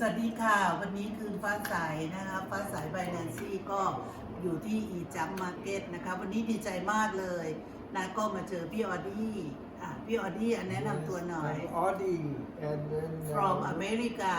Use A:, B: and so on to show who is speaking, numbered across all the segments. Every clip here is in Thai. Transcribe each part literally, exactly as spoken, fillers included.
A: วัสดีค่ะวันนี้คืนฟ้าใสนะคะฟ้าใสไบแนนซี่ก็อยู่ที่อีจัมมาร์เก็ตนะคะวันนี้ดีใจมากเลยนะก็มาเจอพี่ออดี้อ่ะพี่ออดี้แนะนำตัวหน่อย
B: Audi and then
A: from America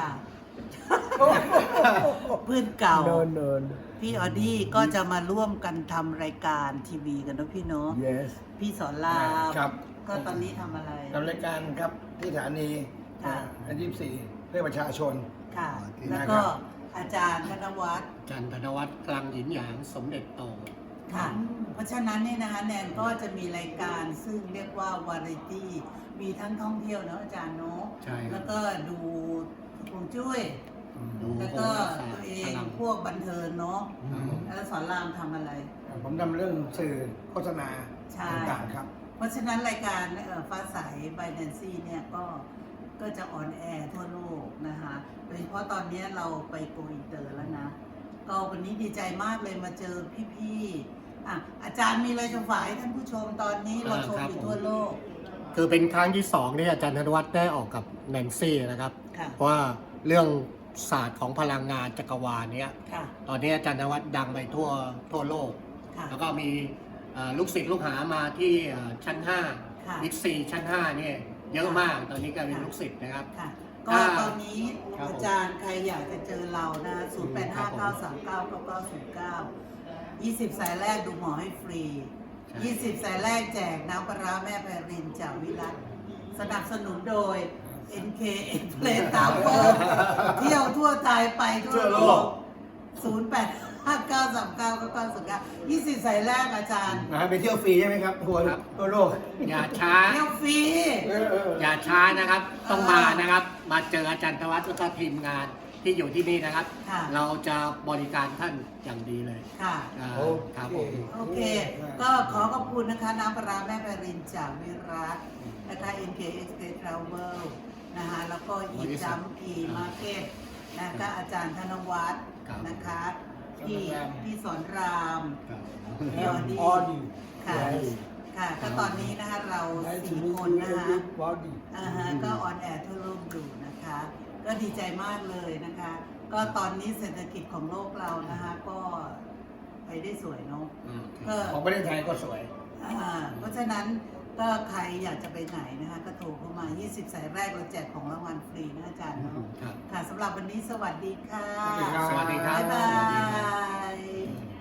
A: เพื่อนเก่า
B: no no
A: พี่ออดี้ก็จะมาร่วมกันทำรายการทีวีกันนะพี่เนาะ
B: yes
A: พี่สอนราม
C: ครับ
A: ก็ตอนนี้ทำอะไร
C: ทำรายการครับที่สถานี
A: ค่ะ
C: อันยี่สิบสี่เพื่อประชาชน
A: ค่ะ
C: ที่
A: แล้ว
C: นั่น
A: ก็
C: ครับ
A: อาจารย์ธนวัฒน์
D: จันทนวัฒน์กลางหยินหยางสมเด็จโต
A: ค่ะ เพราะฉะนั้นเนี่ยนะคะแนนก็จะมีรายการซึ่งเรียกว่าวาไรตี้มีทั้งท่องเที่ยวเนาะอาจารย์เนาะ
D: ใช่ครับ
A: แล้วก็ดูฮวงจุ้ย
D: ดู
A: แล้ว
D: โห
A: ก็
D: ราศาส
A: ตัว
D: ตร์
A: เอ
D: พ
A: ง
D: ลัง
A: พวกบันเทิงเนาะ
D: อืม
A: แล้วสอนรามทำอะไร
C: ผมทำเรื่องสื่อโฆษณา
A: ใช่
C: ต่างๆครับ
A: เพราะฉะนั้นรายการเอ่อฟ้าใสไบแนนซี่เนี่ยก็ก็จะออนแอร์ทั่วโลกนะคะโดยเฉพาะตอนนี้เราไปโกอินเตอร์แล้วนะ ก็วันนี้ดีใจมากเลยมาเจอพี่ๆอ่ะอาจารย์มีอะไรจะฝากให้ท่านผู้ชมตอนนี้เราชมอยู่ทั่วโลก
D: คือเป็นครั้งที่สองที่อาจารย์ธนวัฒน์ได้ออกกับแนนซี่นะครับ
A: ค่ะ
D: เพราะว่าเรื่องศาสตร์ของพลังงานจักรวาลเนี้ย
A: ค่ะ
D: ตอนนี้อาจารย์ธนวัฒน์ดังไปทั่วทั่วโลก
A: ค่ะ
D: แล้วก็มีเอ่อลูกศิษย์ลูกหามาที่เอ่อชั้นห้า
A: ค่ะ
D: บิ๊กซีชั้นห้าเนี่ยเยอะมาก ตอนนี้กลายเป็น
A: ค่ะ
D: ลูกศิษย์นะครับ
A: ค่ะ ก็
D: อ่า
A: ตอนนี้
D: ครับผม
A: อาจารย์ใครอยากจะเจอเรานะศูนย์แปดห้าเก้าสามเก้าเก้าเก้าศูนย์เก้า ยี่สิบสายแรกดูหมอให้ฟรี
D: ใช่
A: ยี่สิบสายแรกแจกน้ำปลาร้าแม่ไพรินจากวิรัตสนับสนุนโดย เอ็น เค Express Tower เที่ยวทั่วไทยไปทั่วโลก ศูนย์ แปด ห้า เก้า สาม เก้า เก้า เก้า ศูนย์ เก้า ยี่สิบสายแรกอาจารย์
C: นะฮะไปเที่ยวฟรีใช่ไหมครับทั่ว
D: ครับ
C: ทั่วโลก
D: อย่าช้า
A: เที่ยวฟรี
C: เออเออ
D: อย่าช้านะครับ ต้องมานะครับ มาเจออาจารย์ธวัฒน์แล้วก็ทีมงานที่อยู่ที่นี่นะครับ
A: ค่ะ
D: เราจะบริการท่านอย่างดีเลย
A: ค่ะ
D: อ่า
C: โอ
D: ครับ
C: เค
D: ผม
A: โอเค ก็ขอขอบคุณนะคะ น้ำปลาร้าแม่ไพรินจากวิรัตนะคะ เอ็น เค Express Travel นะคะแล้วก็อีจัมอีมาร์เก็ตนะคะอาจารย์ธนวัฒน์
D: ครับ
A: นะคะพี่พี่สอนราม
D: ครับ
A: พี่ออดี้
B: Audi
A: ค่ะ
B: yes
A: ค่ะ ก็ตอนนี้นะคะเรา
B: nice to
A: สี่
B: meet
A: คน
B: you
A: นะคะ
B: Audi
A: อ่าฮะก็ออนแอร์ทั่วโลกอยู่นะคะ ก็ดีใจมากเลยนะคะ ก็ตอนนี้เศรษฐกิจของโลกเรานะคะ ก็ไปได้สวยเนาะ
D: อืม
A: ก็
C: ของประเทศไทยก็สวย
A: อ่าเพราะฉะนั้นก็ใครอยากจะไปไหนนะคะ ก็โทรเข้ามา ยี่สิบ สายแรกเราแจกของรางวัลฟรีนะอาจารย์เนาะ
D: ครับ
A: ค่ะสำหรับวันนี้สวัสดีค่ะ
C: สวัสดีครับ
D: สวัสดีครับ
A: บ๊ายบาย